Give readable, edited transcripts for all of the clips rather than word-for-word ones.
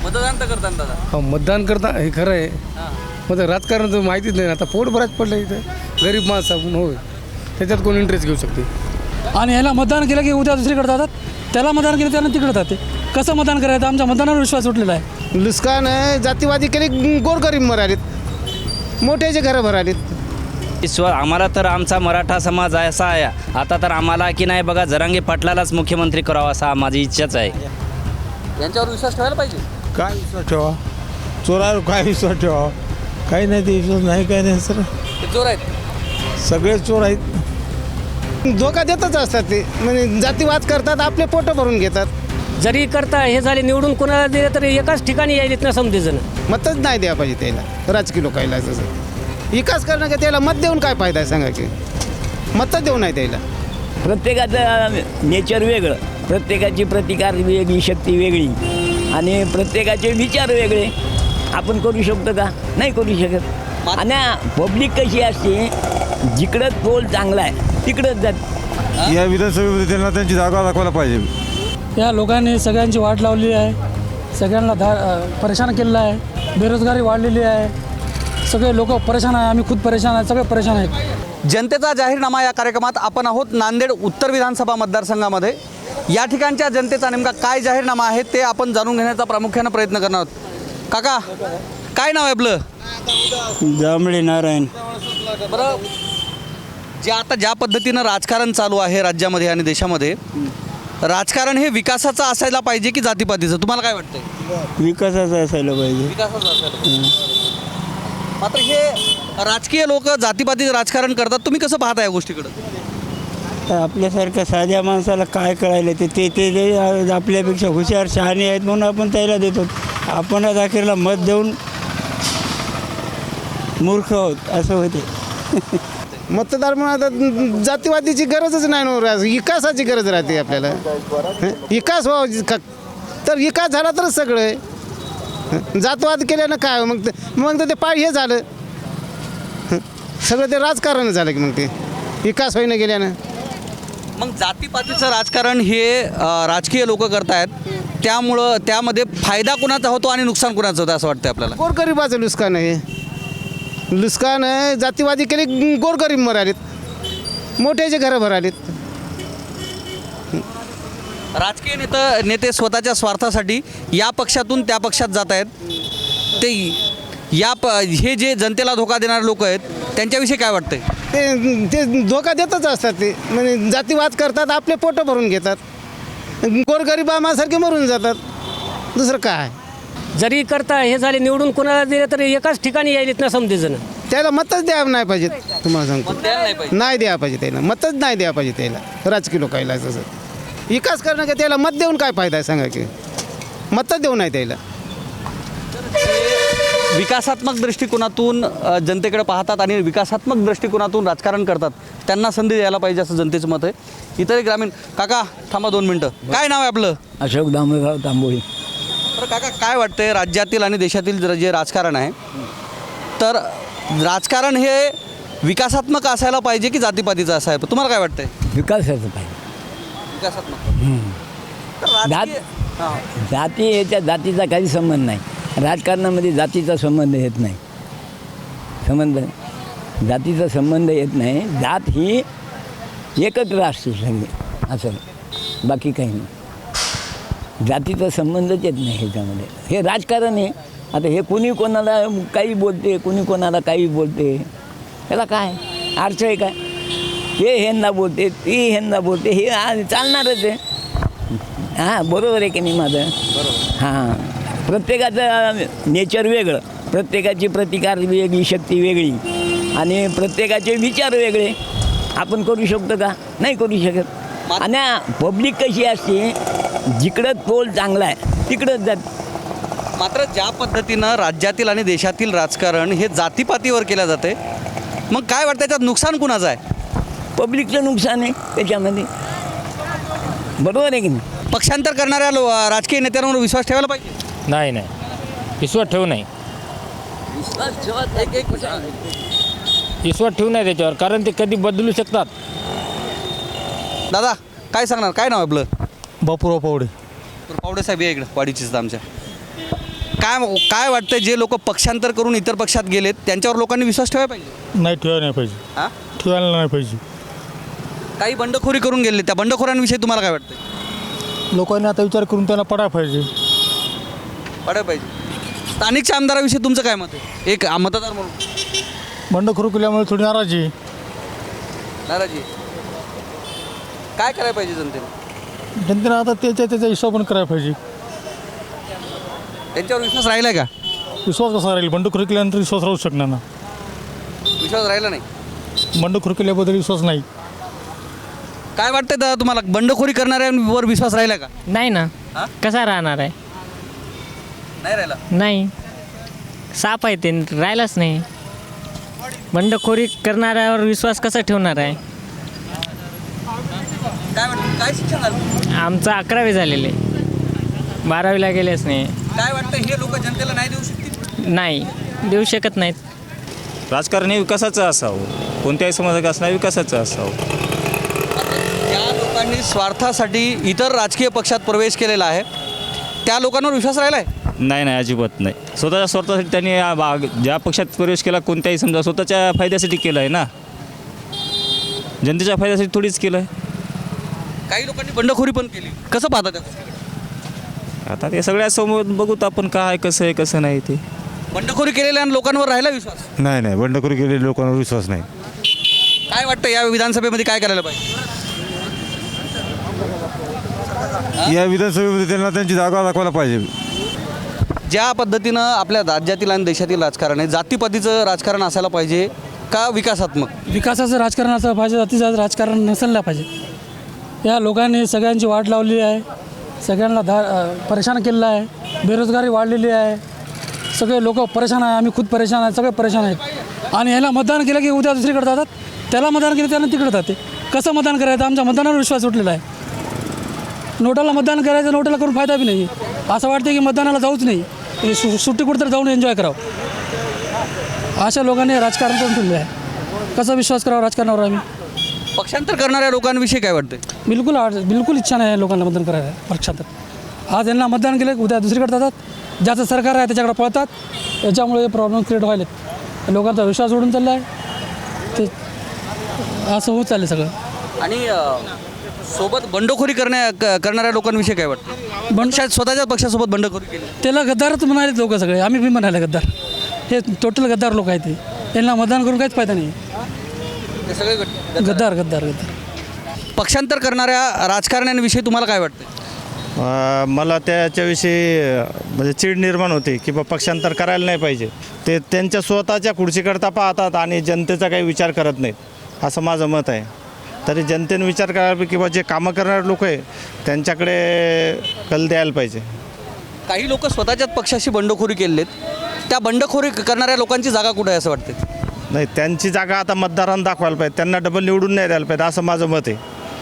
मतदान तर करता दादा. हो मतदान करता हे खरं आहे. मग राजकारण तर माहितीच नाही आता पोट भरायच पडलं इथं गरीब माणसं आपण होय त्याच्यात कोण इंटरेस्ट घेऊ शकते. आणि ह्याला मतदान केलं की उद्या दुसरीकडे जातात, त्याला मतदान केलं त्यानं तिकडे जाते. कसं मतदान करायचं? आमच्या मतदानावर विश्वास उठलेला आहे. लुस्कान जातीवादी केले, गोरगरीब मरालीत, मोठ्याचे घरं भरालीत. ईश्वर आम्हाला तर आमचा मराठा समाज असा आहे आता तर आम्हाला की नाही बघा जरांगे पाटलालाच मुख्यमंत्री करावा असा माझी इच्छाच आहे. यांच्यावर विश्वास ठेवायला पाहिजे. काय विश्वास ठेवा? चोरावर काय विश्वास ठेवा? काही नाही, ते विश्वास नाही, काही नाही सर. ते चोर आहेत. सगळे चोर आहेत. धोका देतच असतात ते, म्हणजे जातीवाद करतात, आपले पोटं भरून घेतात. जरी करता हे झाले निवडून कोणाला दिलं तरी एकाच ठिकाणी यायलेत ना समजेजण. मतच नाही द्या पाहिजे त्याला, राजकीय लोकायला. जसं विकास करणं का त्याला मत देऊन काय फायदा आहे सांगा की? मतच देऊ नाही त्याला. प्रत्येकाचं नेचर वेगळं, प्रत्येकाची प्रतिकार वेगळी, शक्ती वेगळी आणि प्रत्येकाचे विचार वेगळे. आपण करू शकतो का? नाही करू शकत. आणि पब्लिक कशी असते, जिकडं तोल चांगला आहे तिकडंच जात. या विधानसभेमध्ये त्यांना त्यांची जागा दाखवायला पाहिजे. या लोकांनी सगळ्यांची वाट लावली आहे, सगळ्यांना परेशान केलेलं आहे. बेरोजगारी वाढलेली आहे, सगळे लोक परेशान आहे. आम्ही खुद परेशान आहे, सगळे परेशान आहेत. जनतेचा जाहीरनामा या कार्यक्रमात आपण आहोत नांदेड उत्तर विधानसभा मतदारसंघामध्ये. या ठिकाणच्या जनतेचा नेमका काय जाहीरनामा आहे ते आपण जाणून घेण्याचा प्रामुख्यानं प्रयत्न करणार आहोत. काका, काय नाव आहे आपलं? जांभळे नारायण. बरं, ज्या पद्धतीनं राजकारण चालू आहे राज्यामध्ये आणि देशामध्ये, राजकारण हे विकासाचं असायला पाहिजे की जातीपातीचं? तुम्हाला काय वाटतंय? विकासाचं असायला पाहिजे. विकासाचं असायला. मात्र हे राजकीय लोक जातीपातीचं राजकारण करतात. तुम्ही कसं पाहता या गोष्टीकडं? तर आपल्यासारख्या साध्या माणसाला काय कळायला ते ते ते ते आपल्यापेक्षा हुशार शहाणे आहेत म्हणून आपण त्याला देतो. आपण अखेरला मत देऊन मूर्ख आहोत असं होते. मतदार म्हणून आता जातीवादीची गरजच नाही ना, विकासाची गरज राहते आपल्याला. विकास व्हावा तर विकास झाला तरच सगळं आहे. जातवाद केल्यानं काय मग तर ते हे झालं सगळं, ते राजकारण झालं की मग ते विकास होईनं गेल्यानं. मग जातीपातीचं राजकारण हे राजकीय लोक करतायत, त्यामुळं त्यामध्ये फायदा कुणाचा होतो आणि नुकसान कुणाचं होतं असं वाटतं आपल्याला? गोरगरिबाचं लुस्कान आहे. लुस्कान जातीवादी केले, गोरगरीब मरालीत, मोठ्याचे घरं भरालीत. राजकीय नेते स्वतःच्या स्वार्थासाठी या पक्षातून त्या पक्षात जात आहेत. ते हे जे जनतेला धोका देणारे लोक आहेत त्यांच्याविषयी काय वाटतंय? ते धोका देतच असतात ते, म्हणजे जातीवाद करतात, आपले पोटं भरून घेतात, गोरगरिबासारखे मरून जातात. दुसरं काय? जरी करता हे झाले निवडून कोणाला दिलं तरी एकाच ठिकाणी यायलेत ना समजेजण. त्याला मतच द्या नाही पाहिजे. तुम्हाला सांगतो, नाही पाहिजे. नाही द्या पाहिजे त्याला, मतच नाही द्या पाहिजे त्याला, राजकीय लोकायला. जसं विकास करणं का त्याला मत देऊन काय फायदा आहे सांगा की? मतच देऊ नाही त्याला. विकासात्मक दृष्टिकोनातून जनतेकडे पाहतात आणि विकासात्मक दृष्टिकोनातून राजकारण करतात, त्यांना संधी द्यायला पाहिजे असं जनतेचं मत आहे. इतर ग्रामीण काका थांबा 2 मिनटं. काय नाव आहे आपलं? अशोक दामोदर तांबोळी. तर काका, काय वाटतंय राज्यातील आणि देशातील जे राजकारण आहे, तर राजकारण हे विकासात्मक असायला पाहिजे की जातीपातीचं असायला? तुम्हाला काय वाटतंय? विकासाचं पाहिजे. विकासात्मक. जाती याच्या जातीचा काही संबंध नाही. राजकारणामध्ये जातीचा संबंध येत नाही. जातीचा संबंध येत नाही. जात ही एकत्र असते सगळी, असं बाकी काही नाही. जातीचा संबंधच येत नाही ह्याच्यामध्ये. हे राजकारण आहे. आता हे कुणी कोणाला काही बोलते, कुणी कोणाला काही बोलते, त्याला काय अर्थ आहे काय? हे ह्यांना बोलते, ती ह्यांना बोलते, हे चालणारच आहे. हां, बरोबर आहे की नाही माझं? हां, प्रत्येकाचं नेचर वेगळं, प्रत्येकाची प्रतिकार वेगळी, शक्ती वेगळी आणि प्रत्येकाचे विचार वेगळे. आपण करू शकतो का? नाही करू शकत. आणि पब्लिक कशी असते, जिकडं तोल चांगला आहे तिकडंच जात. मात्र ज्या पद्धतीनं राज्यातील आणि देशातील राजकारण हे जातीपातीवर केलं जाते, मग काय वाटतं त्याच्यात नुकसान कुणाचं आहे? पब्लिकचं नुकसान आहे त्याच्यामध्ये. बरोबर आहे की नाही? पक्षांतर करणाऱ्या राजकीय नेत्यांवर विश्वास ठेवायला पाहिजे? नाही, विश्वास ठेवू नाही. विश्वास ठेवू नाही त्याच्यावर, कारण ते कधी बदलू शकतात. दादा काय सांगणार? काय नाव आपलं? बापूराव पावडे. पावडे साहेब या इकडं, वाडीचीच आमच्या. काय काय वाटतं, जे लोक पक्षांतर करून इतर पक्षात गेलेत त्यांच्यावर लोकांनी विश्वास ठेवायला पाहिजे? नाही ठेवायला नाही पाहिजे, हां, ठेवायला नाही पाहिजे. काही बंडखोरी करून गेले, त्या बंडखोरांविषयी तुम्हाला काय वाटतं? लोकांनी आता विचार करून त्यांना पडायला पाहिजे. पडायला पाहिजे. स्थानिकच्या आमदाराविषयी तुमचं काय मत आहे, एक मतदार म्हणून? बंडखोरी केल्यामुळे थोडी नाराजी. नाराजी. काय करायला पाहिजे जनतेने? जनतेनं आता त्याच्या हिशोबाने करायला पाहिजे. त्यांच्यावर विश्वास राहिला का? विश्वास कसा राहील? बंडखोरी केल्यानंतर विश्वास राहू शकणार ना. विश्वास राहिला नाही. बंडखोरी केल्याबद्दल विश्वास नाही. काय वाटतं दादा तुम्हाला, बंडखोरी करणाऱ्यांवर विश्वास राहिला का? नाही ना, हां? कसा राहणार आहे? नाही राहिला. नाही, साप आहे ते, राहिलाच नाही. बंडखोरी करणाऱ्यावर विश्वास कसा ठेवणार आहे? काय वाटतं, काय शिक्षण झालं? आमचं 11वी झालेले, 12वीला गेलेच नाही. काय वाटतं, हे लोक जनतेला नाही देऊ शकतील? नाही देऊ शकत नाहीत. राजकारण हे विकासाचं असावं, कोणत्याही समाजात असणार विकासाचं असावं. ज्या लोकांनी स्वार्थासाठी इतर राजकीय पक्षात प्रवेश केलेला आहे त्या लोकांवर विश्वास राहिला आहे? नाही नाही, अजिबात नाही. स्वतःच्या स्वार्थासाठी त्यांनी ज्या पक्षात प्रवेश केला, कोणत्याही समजा स्वतःच्या फायद्यासाठी केलं आहे ना, जनतेच्या फायद्यासाठी थोडीच केलं आहे. काही लोकांनी बंडखोरी पण केली, कसं पाहता त्या? आता ते सगळ्यासमोर बघूत आपण काय कसं आहे कसं नाही ते. बंडखोरी केलेल्या लोकांवर राहिला विश्वास? नाही नाही, बंडखोरी केलेल्या लोकांवर विश्वास नाही. काय वाटतं, या विधानसभेमध्ये काय करायला पाहिजे? या विधानसभेमध्ये त्यांना त्यांची जागा दाखवायला पाहिजे. ज्या पद्धतीनं आपल्या राज्यातील आणि देशातील राजकारण आहे, जातीपातीचं राजकारण असायला पाहिजे का विकासात्मक? विकासाचं राजकारण असलं पाहिजे, जातीचं राजकारण नसायला पाहिजे. या लोकांनी सगळ्यांची वाट लावली आहे, सगळ्यांना परेशान केलेलं आहे, बेरोजगारी वाढलेली आहे, सगळे लोक परेशान आहे, आम्ही खुद परेशान आहे, सगळे परेशान आहेत. आणि ह्याला मतदान केलं की उद्या दुसरीकडे जातात, त्याला मतदान केलं त्यानं तिकडे जाते. कसं मतदान करायचं? आमच्या मतदानावर विश्वास उठलेला आहे. नोटाला मतदान करायचं, नोटाला करून फायदा बी नाही. असं वाटतं की मतदानाला जाऊच नाही, सुट्टी कुठंतरी जाऊन एन्जॉय करावं. अशा लोकांनी राजकारण करून ठेवले आहे. कसा विश्वास करावा राजकारणावर आम्ही? पक्षांतर करणाऱ्या लोकांविषयी काय वाटतं? बिलकुल इच्छा नाही आहे लोकांना मतदान करायला. पक्षांतर आज यांना मतदान केलं उद्या दुसरीकडे जातात, ज्याचं सरकार आहे त्याच्याकडे पळतात. याच्यामुळे प्रॉब्लेम क्रिएट व्हायलेत. लोकांचा विश्वास उडून चालला आहे, ते असं होत चाललं सगळं. आणि सोबत बंडखोरी करणाऱ्या लोकांविषयी काय वाटतं? स्वतःच्याच पक्षासोबत बंडखोरी केली, त्याला गद्दारच म्हणाले लोक सगळे. आम्ही बी म्हणाले गद्दार. हे टोटल गद्दार लोक आहेत. यांना मतदान करून काहीच फायदा नाही. ते सगळे गद्दार गद्दार गद्दार. पक्षांतर करणाऱ्या राजकारण्यांविषयी तुम्हाला काय वाटतं? मला त्याच्याविषयी म्हणजे चीड निर्माण होते की बा पक्षांतर करायला नाही पाहिजे. ते त्यांच्या स्वतःच्या खुर्चीकरता पाहतात आणि जनतेचा काही विचार करत नाहीत, असं माझं मत आहे. तरी जनतेने विचार करायला किंवा जे कामं करणारे लोक आहे त्यांच्याकडे कल द्यायला पाहिजे. काही लोक स्वतःच्याच पक्षाशी बंडखोरी केलेत, त्या बंडखोरी करणाऱ्या लोकांची जागा कुठे आहे असं वाटतं? नाही, त्यांची जागा आता मतदारांना दाखवायला पाहिजे, त्यांना डबल निवडून नाही द्यायला पाहिजे, असं माझं मत आहे.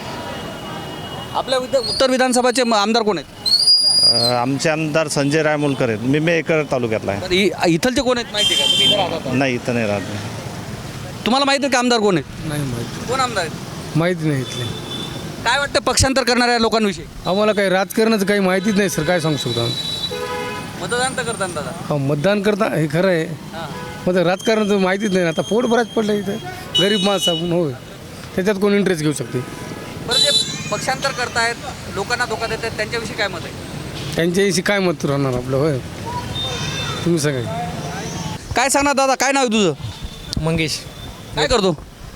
आपल्या उत्तर विधानसभाचे आमदार कोण आहेत? आमचे आमदार संजय रायमुलकर आहेत. मी मेकर तालुक्यातला आहे. तर इथलचे कोण आहेत माहिती आहे का? तुम्ही इथं राहता? नाही, इथं नाही राहत. तुम्हाला माहिती आहे का आमदार कोण आहेत? नाही माहिती, कोण आमदार आहेत? माहिती नाही इथले. काय वाटतं पक्षांतर करणाऱ्या लोकांविषयी? आम्हाला काही राजकारणाचं काही माहितीच नाही सर, काय सांगू शकतो आम्ही. मतदान तर करताना दादा. हा, मतदान करता हे खरं आहे, हां. मग राजकारणाचं माहितीच नाही. आता पोट बराच पडलं इथं, गरीब माणसं आपण होय, त्याच्यात कोण इंटरेस्ट घेऊ शकते. बरं, जे पक्षांतर करतायत, लोकांना धोका देत आहेत, त्यांच्याविषयी काय मत आहे? त्यांच्याविषयी काय मत राहणार आपलं? होय, तुम्ही सगळे काय सांगणार दादा, काय नाव आहे तुझं? मंगेश. काय करतो?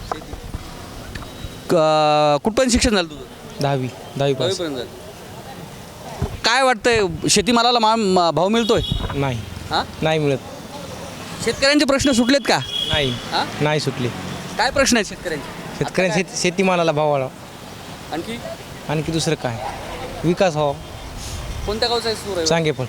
कुठपर्यंत शिक्षण झालं तुझं? 10वी पास. दहावीपर्यंत झालं. काय वाटतंय, शेतीमालाला भाव मिळतोय? नाही हां, नाही मिळत. शेतकऱ्यांचे प्रश्न सुटलेत का? नाही हां, नाही सुटली. काय प्रश्न आहेत शेतकऱ्यांचे? शेतकऱ्यांची शेतीमालाला भाव वाढवा. आणखी आणखी दुसरं काय, विकास व्हावा. कोणत्या गावचा आहे सूर आहे? सांगे पण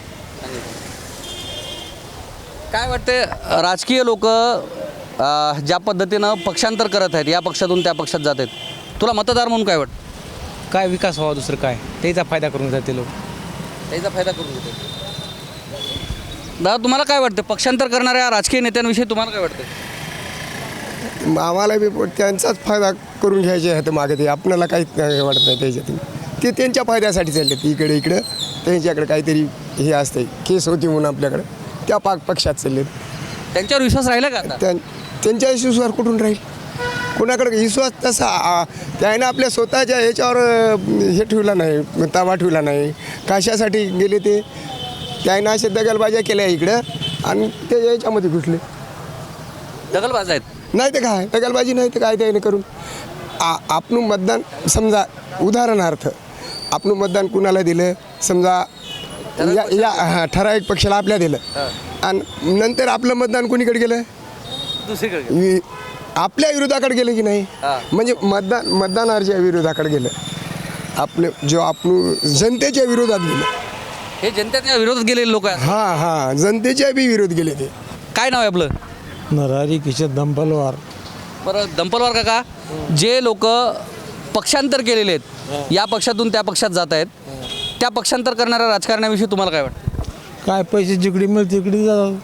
काय वाटतंय, राजकीय लोक ज्या पद्धतीनं पक्षांतर करत आहेत, या पक्षातून त्या पक्षात जात आहेत, तुला मतदार म्हणून काय वाटतं? काय विकास व्हावा, दुसरं काय, त्याचा फायदा करून जाते लोक. त्याचा फायदा करून घेते. दादा तुम्हाला काय वाटतं, पक्षांतर करणाऱ्या राजकीय नेत्यांविषयी तुम्हाला काय वाटतं? आम्हाला बी त्यांचाच फायदा करून घ्यायचे आहे. तर मागे ते आपल्याला काहीच नाही वाटत नाही त्याच्यातून. ते त्यांच्या फायद्यासाठी चालले, इकडे त्यांच्याकडे काहीतरी हे असते केस होती म्हणून आपल्याकडे त्या पक्षात चालले त्यांच्यावर विश्वास राहिला का आता? त्यांच्या विश्वासावर कुठून राहील कोणाकडे विश्वास तसा त्याने आपल्या स्वतःच्या ह्याच्यावर हे ठेवला नाही ताबा ठेवला नाही कशासाठी गेले ते त्याने अशा दगलबाज्या केल्या इकडं आणि ते याच्यामध्ये घुसले दगलबाज आहेत. नाही ते काय दगलबाजी नाही तर काय त्याने करून आपण मतदान समजा उदाहरणार्थ आपण मतदान कुणाला दिलं समजा या ठराविक पक्षाला आपल्या दिलं आणि नंतर आपलं मतदान कोणीकडे गेलं दुसरीकडे आपल्या विरोधाकडे गेलं की नाही म्हणजे मतदानाच्या विरोधाकडे गेलं आपले जो आपण जनतेच्या विरोधात गेलं हे जनतेच्या विरोधात गेलेले लोक आहेत. हां जनतेच्या बी विरोध गेले ते. काय नाव आहे आपलं? नरहरी किशन दंपलवार. बरं दंपलवार काका, जे लोक पक्षांतर केलेले आहेत या पक्षातून त्या पक्षात जात आहेत त्या पक्षांतर करणाऱ्या राजकारण्याविषयी तुम्हाला काय वाटतं? काय पैसे जिकडे मिळते तिकडे जातात,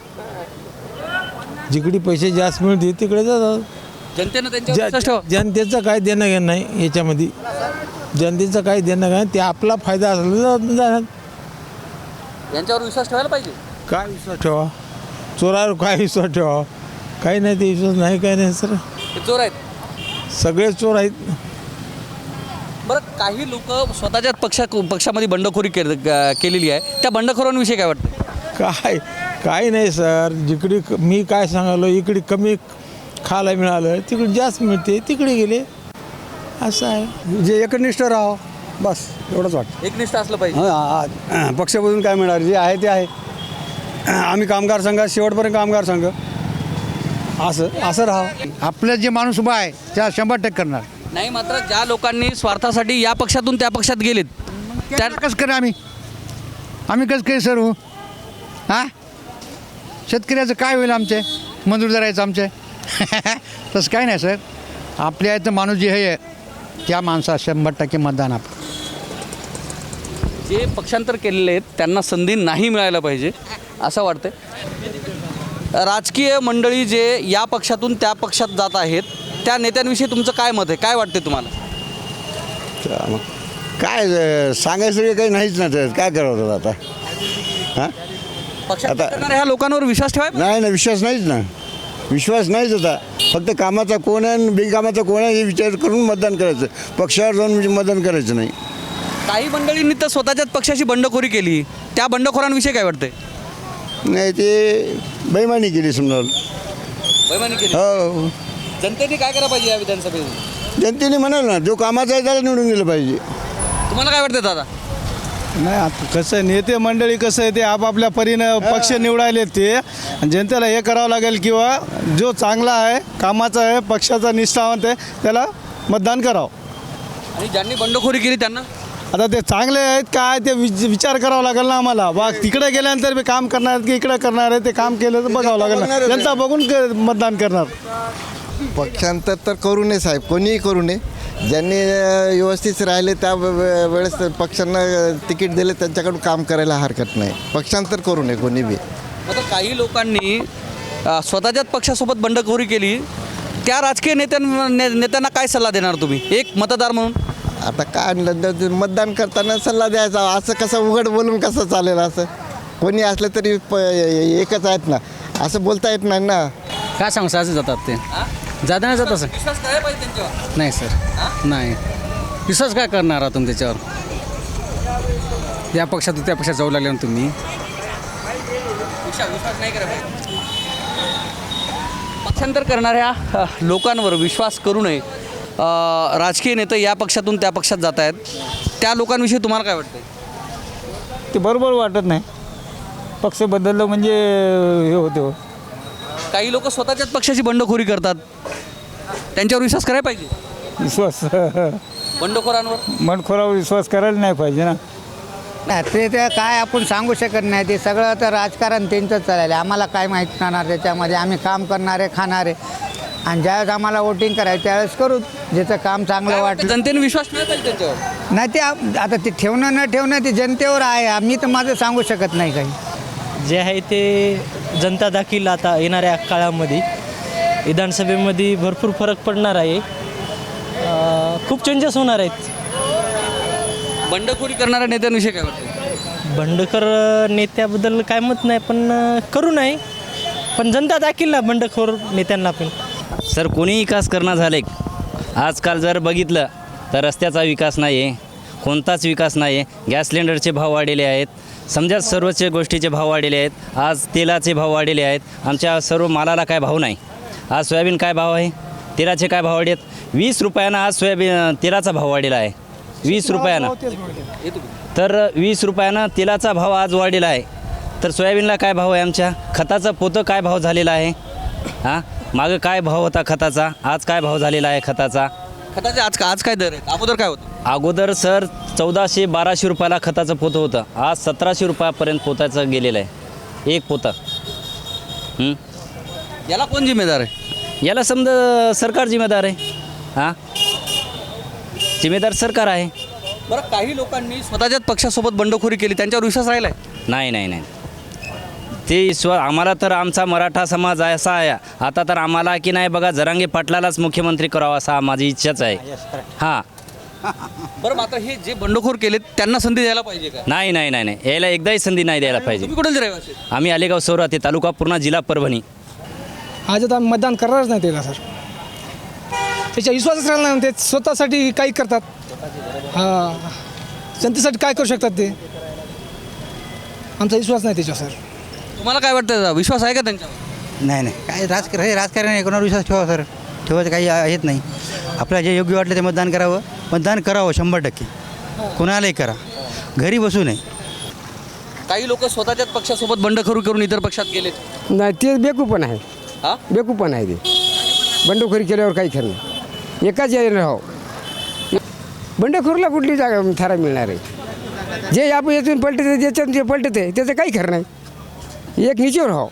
जिकडे पैसे जास्त मिळते तिकडे जातात. जनतेनं त्यांच्यावर विश्वास ठेवा. जनतेचं काय देणं घेणं नाही याच्यामध्ये, जनतेचं काय देणं घेणं ते आपला फायदा असला जाणार. यांच्यावर विश्वास ठेवायला पाहिजे. काय विश्वास ठेवा, चोरावर काय विश्वास ठेवा, काही नाही ते विश्वास नाही काय नाही सर, हे चोर आहेत. सगळे चोर आहेत. बरं काही लोक स्वतःच्याच पक्षामध्ये बंडखोरी केलेली आहे, त्या बंडखोरांविषयी काय वाटतं? काय नाही सर, जिकडे मी काय सांगालो इकडे कमी खायला मिळालं तिकडे जास्त मिळते तिकडे गेले असं आहे. जे एकनिष्ठ राहावं बस एवढंच वाटतं. एकनिष्ठ असलं पाहिजे. पक्षामधून काय मिळणार जे आहे ते आहे. आम्ही कामगार संघ शेवटपर्यंत कामगार संघ असं राहावं. आपलं जे माणूस उभा आहे त्या 100% करणार. नाही मात्र ज्या लोकांनी स्वार्थासाठी या पक्षातून त्या पक्षात गेलेत त्या कसं करा आम्ही कसं काही सर हो हां शेतकऱ्याचं काय होईल आमचे मजूर धरायचं आमचे तसं काय नाही सर. आपल्या इथं माणूस जे आहे त्या माणसाला 100% मतदान आपण. जे पक्षांतर केलेले आहेत त्यांना संधी नाही मिळायला पाहिजे असं वाटतं. राजकीय मंडळी जे या पक्षातून त्या पक्षात जात आहेत त्या नेत्यांविषयी तुमचं काय मत आहे? काय वाटते तुम्हाला? काय सांगायचं काही नाहीच ना तर काय करावं आता हां पक्षात ह्या लोकांवर विश्वास ठेवाय नाही ना विश्वास नाहीच ना विश्वास नाहीच होता. फक्त कामाचा कोण आहे आणि बिनकामाचा कोण आहे हे विचार करून मतदान करायचं, पक्षावर जाऊन मतदान करायचं नाही. काही मंडळींनी तर स्वतःच्याच पक्षाची बंडखोरी केली, त्या बंडखोरांविषयी काय वाटतंय? नाही ते बेईमानी केली समजा. बेईमानी केली. हो जनतेने काय करायला पाहिजे या विधानसभेत? जनतेने म्हणाल ना जो कामाचा आहे त्याला निवडून गेलं पाहिजे. तुम्हाला काय वाटतं दादा? नाही आता कसं नेते मंडळी कसं आहे ते आपापल्या परीनं पक्ष निवडायले ते जनतेला हे करावं लागेल किंवा जो चांगला आहे कामाचा आहे पक्षाचा निष्ठावंत आहे त्याला मतदान करावं. आणि ज्यांनी बंडखोरी केली त्यांना आता ते चांगले आहेत काय ते विचार करावा लागेल ना आम्हाला. बा तिकडे गेल्यानंतर मी काम करणार आहेत की इकडे करणार आहे ते काम केलं तर बघावं लागेल ना, जनता बघून मतदान करणार. पक्षांतर तर करू नये साहेब, कोणीही करू नये. ज्यांनी व्यवस्थित राहिले त्या वेळेस पक्षांना तिकीट दिले त्यांच्याकडून काम करायला हरकत नाही. पक्षांतर करू नये कोणी बी. आता काही लोकांनी स्वतःच्याच पक्षासोबत बंडखोरी केली, त्या राजकीय नेत्यांना काय सल्ला देणार तुम्ही एक मतदार म्हणून? आता काय मतदान करताना सल्ला द्यायचा, असं कसं उघड बोलून कसं चालेल? असं कोणी असलं तरी एकच आहेत ना, असं बोलता येत नाही ना. काय सांगू असं जातात ते जाता नाही जात असं विश्वास करायला पाहिजे त्यांच्यावर. नाही सर नाही विश्वास काय करणार आहात तुम्ही त्याच्यावर? या पक्षातून त्या पक्षात जाऊ लागले ना तुम्ही. विश्वास नाही करायला पाहिजे. पक्षांतर करणाऱ्या लोकांवर विश्वास करू नये. राजकीय नेते या पक्षातून त्या पक्षात जात आहेत त्या लोकांविषयी तुम्हाला काय वाटतं? ते बरोबर वाटत नाही. पक्ष बदललं म्हणजे हे होते. काही लोक स्वतःच्याच पक्षाची बंडखोरी करतात, त्यांच्यावर विश्वास करायला पाहिजे. विश्वास बंडखोरांवर मनखोरावर विश्वास करायला नाही पाहिजे ना. ते काय आपण सांगू शकत नाही. ते सगळं तर राजकारण त्यांचंच चालेल. आम्हाला काय माहीत राहणार त्याच्यामध्ये. आम्ही काम करणारे खाणारे आणि ज्यावेळेस आम्हाला वोटिंग करायचं त्यावेळेस करू ज्याचं काम चांगलं वाटलं. जनतेने विश्वास ठेवायला पाहिजे त्यांच्यावर. नाही ते आता ते ठेवणं न ठेवणं ते जनतेवर आहे. आम्ही तर माझं सांगू शकत नाही काही. जे आहे ते जनता दाखील आता येणाऱ्या काळामध्ये विधानसभेमध्ये भरपूर फरक पडणार आहे. खूप चेंजेस होणार आहेत. बंडखोरी करणाऱ्या नेत्यांविषयी काय वाटतं? बंडखोर नेत्याबद्दल काय मत नाही, पण करू नाही, पण जनता दाखील ना बंडखोर नेत्यांना पण. सर कोणी विकास करणं झाले आजकाल जर बघितलं तर रस्त्याचा विकास नाही आहे, कोणताच विकास नाही आहे. गॅस सिलेंडरचे भाव वाढलेले आहेत, समजा सर्वच गोष्टीचे भाव वाढलेले आहेत. आज तेलाचे भाव वाढलेले आहेत, आमच्या सर्व मालाला काय भाव नाही. आज सोयाबीन काय भाव आहे, तेलाचे काय भाव वाढले आहेत. 20 रुपयानं आज सोयाबीन तेलाचा भाव वाढलेला आहे, 20 रुपयानं. तर 20 रुपयानं तेलाचा भाव आज वाढलेला आहे. तर सोयाबीनला काय भाव आहे, आमच्या खताचं पोतं काय भाव झालेला आहे. हां, मागं काय भाव होता खताचा, आज काय भाव झालेला आहे खताचा. खताचे आज काय दर आहेत, अगोदर काय होतं? अगोदर सर 1400-1200 रुपयाला खताचं पोतं होतं, आज 1700 रुपयापर्यंत पोताचं गेलेलं आहे एक पोतं. याला कोण जिम्मेदार आहे? याला समजा सरकार जिम्मेदार आहे. हां, जिम्मेदार सरकार आहे. बरं, काही लोकांनी स्वतःच्याच पक्षासोबत बंडखोरी केली, त्यांच्यावर विश्वास राहिला आहे? नाही ते आम्हाला तर आमचा मराठा समाज असा आहे, आता तर आम्हाला की नाही बघा जरांगे पाटलालाच मुख्यमंत्री करावा असा माझी इच्छाच आहे. हां. बरं, मात्र हे जे बंडखोर केले त्यांना संधी द्यायला पाहिजे का? नाही यायला एकदाही संधी नाही द्यायला पाहिजे. तुम्ही कुठे रहिवासी? आम्ही आलेगाव सौराते, तालुका पूर्णा, जिल्हा परभणी. आज आता आम्ही मतदान करणारच नाही त्याला सर. त्याच्या विश्वासच राहिला नाही, ते स्वतःसाठी काही करतात. हां, जनतेसाठी काय करू शकतात ते, आमचा विश्वास नाही त्याच्यावर सर. तुम्हाला काय वाटतं, विश्वास आहे का त्यांच्यावर? नाही काय राजकारण आहे, कोणावर विश्वास ठेवा सर. ठेवायचं काही येत नाही. आपल्याला जे योग्य वाटलं ते मतदान करावं 100%. कोणालाही करा, घरी बसू नये. काही लोक स्वतःच्याच पक्षासोबत बंडखोरी करून इतर पक्षात गेले. नाही, ते बेकूपण आहे. हां, बेकूपण आहे ते. बंडखोरी केल्यावर काही खरं नाही. एकाच याने राहो, बंडखोरीला कुठली जागा थारा मिळणार आहे. जे आपण यातून पलटते, ज्याच्यातून जे पलटते त्याचं काही खरं नाही. एक नीचेवर राहो.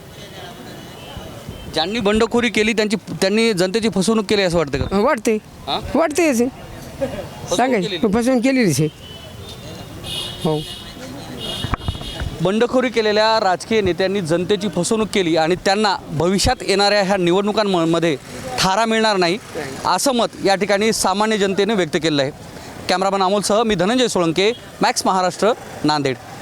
ज्यांनी बंडखोरी केली त्यांनी जनतेची फसवणूक केली असं वाटतं का? वाटते हां? वाटते सांगायचं फसवून केलेलीच आहे. हो, बंडखोरी केलेल्या राजकीय नेत्यांनी जनतेची फसवणूक केली आणि त्यांना भविष्यात येणाऱ्या ह्या निवडणुकांमध्ये थारा मिळणार नाही असं मत या ठिकाणी सामान्य जनतेने व्यक्त केलं आहे. कॅमेरामन अमोलसह मी धनंजय सोळंके, मॅक्स महाराष्ट्र, नांदेड.